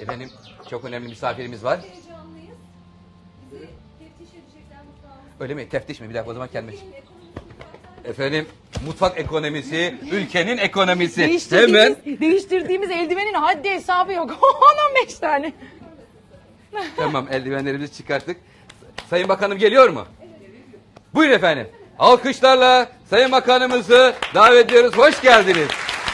Efendim çok önemli misafirimiz var. Heyecanlıyız. Bizi teftiş edecekler mutfağımızda. Öyle mi? Teftiş mi? Bir dakika o zaman kendime. Efendim mutfak ekonomisi, ülkenin ekonomisi. Hemen. Değiştirdiğimiz eldivenin haddi hesabı yok. 10-15 tane. Tamam eldivenlerimizi çıkarttık. Sayın Bakanım geliyor mu? Buyurun efendim. Alkışlarla Sayın Bakanımızı davet ediyoruz. Hoş geldiniz.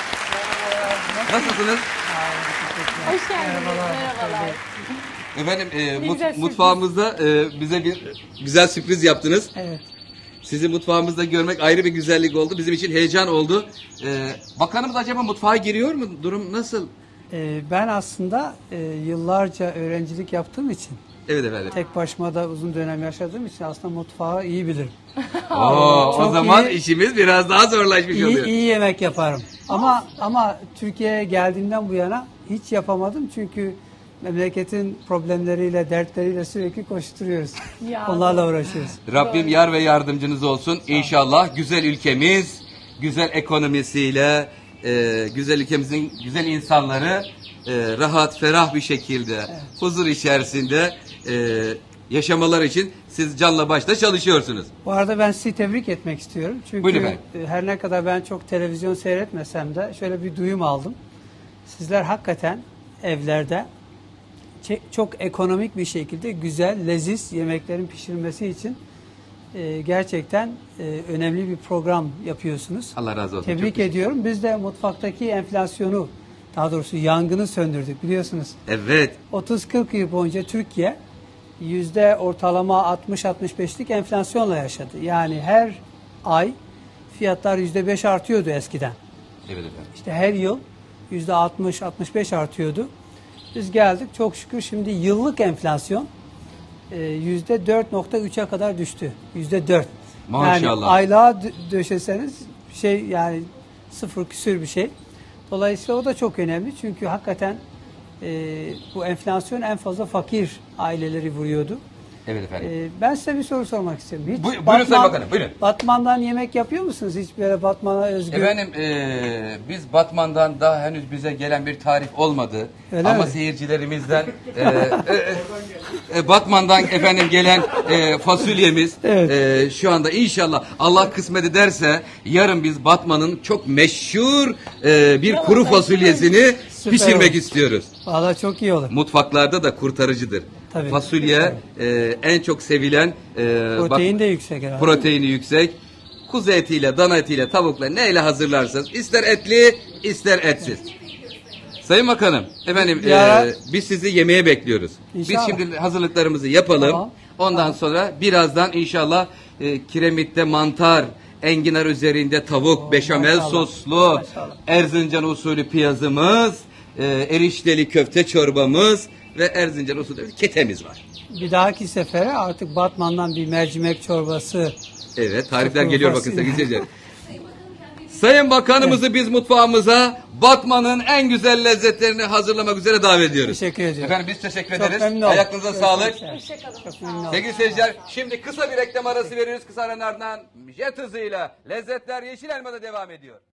Nasılsınız? Hoş geldiniz. Merhabalar. Efendim güzel sürpriz. mutfağımızda bize bir güzel sürpriz yaptınız. Evet. Sizi mutfağımızda görmek ayrı bir güzellik oldu. Bizim için heyecan oldu. Bakanımız acaba mutfağa giriyor mu? Durum nasıl? Ben aslında yıllarca öğrencilik yaptığım için, Evet efendim. tek başıma da uzun dönem yaşadığım için aslında mutfağı iyi bilirim. O Çok zaman iyi. işimiz biraz daha zorlaşmış oluyor. İyi yemek yaparım. Ama Türkiye'ye geldiğimden bu yana hiç yapamadım çünkü memleketin problemleriyle, dertleriyle sürekli koşturuyoruz. Ya. Onlarla uğraşıyoruz. Rabbim yar ve yardımcınız olsun. İnşallah güzel ülkemiz, güzel ekonomisiyle, güzel ülkemizin güzel insanları rahat, ferah bir şekilde, huzur içerisinde yaşamalar için siz canla başla çalışıyorsunuz. Bu arada ben sizi tebrik etmek istiyorum. Buyurun Çünkü efendim. her ne kadar ben çok televizyon seyretmesem de şöyle bir duyum aldım. Sizler hakikaten evlerde çok ekonomik bir şekilde güzel, leziz yemeklerin pişirilmesi için gerçekten önemli bir program yapıyorsunuz. Allah razı olsun. Tebrik Çok ediyorum. Biz de mutfaktaki enflasyonu, daha doğrusu yangını söndürdük biliyorsunuz. Evet. 30-40 yıl boyunca Türkiye yüzde ortalama 60-65'lik enflasyonla yaşadı. Yani her ay fiyatlar %5 artıyordu eskiden. Evet efendim. İşte her yıl %60-65 artıyordu. Biz geldik çok şükür şimdi yıllık enflasyon %4.3'e kadar düştü. %4. Maşallah. Yani aylığa döşeseniz yani sıfır küsür bir şey. Dolayısıyla o da çok önemli çünkü hakikaten bu enflasyon en fazla fakir aileleri vuruyordu. Evet efendim. Ben size bir soru sormak istiyorum. Hiç Buyurun Sayın Bakanım, buyurun. Batman'dan yemek yapıyor musunuz? Hiç böyle Batman'a özgü? Efendim biz Batman'dan daha henüz bize gelen bir tarif olmadı. Öyle ama mi? seyircilerimizden Batman'dan efendim gelen fasulyemiz Evet. şu anda inşallah Allah kısmet ederse yarın biz Batman'ın çok meşhur bir kuru fasulyesini Süper pişirmek olur. istiyoruz. Vallahi çok iyi olur. Mutfaklarda da kurtarıcıdır. Tabii. Fasulye en çok sevilen Protein de yüksek herhalde. proteini yüksek. Kuzu etiyle, dana etiyle, tavukla neyle hazırlarsanız ister etli, ister etsiz. Sayın Bakanım, efendim biz sizi yemeğe bekliyoruz. İnşallah. Biz şimdi hazırlıklarımızı yapalım. Tamam. Ondan sonra birazdan inşallah kiremitte mantar, enginar üzerinde tavuk, beşamel maşallah. soslu, Maşallah. Erzincan usulü piyazımız, erişteli köfte çorbamız ve Erzincan usulü ketemiz var. Bir dahaki sefere artık Batman'dan bir mercimek çorbası. Evet, tarifler Çok geliyor bakın fasulye. sevgili seyirciler. Sayın Bakanımızı biz mutfağımıza Batman'ın en güzel lezzetlerini hazırlamak üzere davet ediyoruz. Teşekkür ediyorum. Efendim biz teşekkür Çok ederiz. memnun oldum. Ayaklarınıza sağlık. Çok memnun oldum. Sevgili seyirciler şimdi kısa bir reklam arası veriyoruz. Kısa aranın ardından jet hızıyla lezzetler Yeşil Elma'da devam ediyor.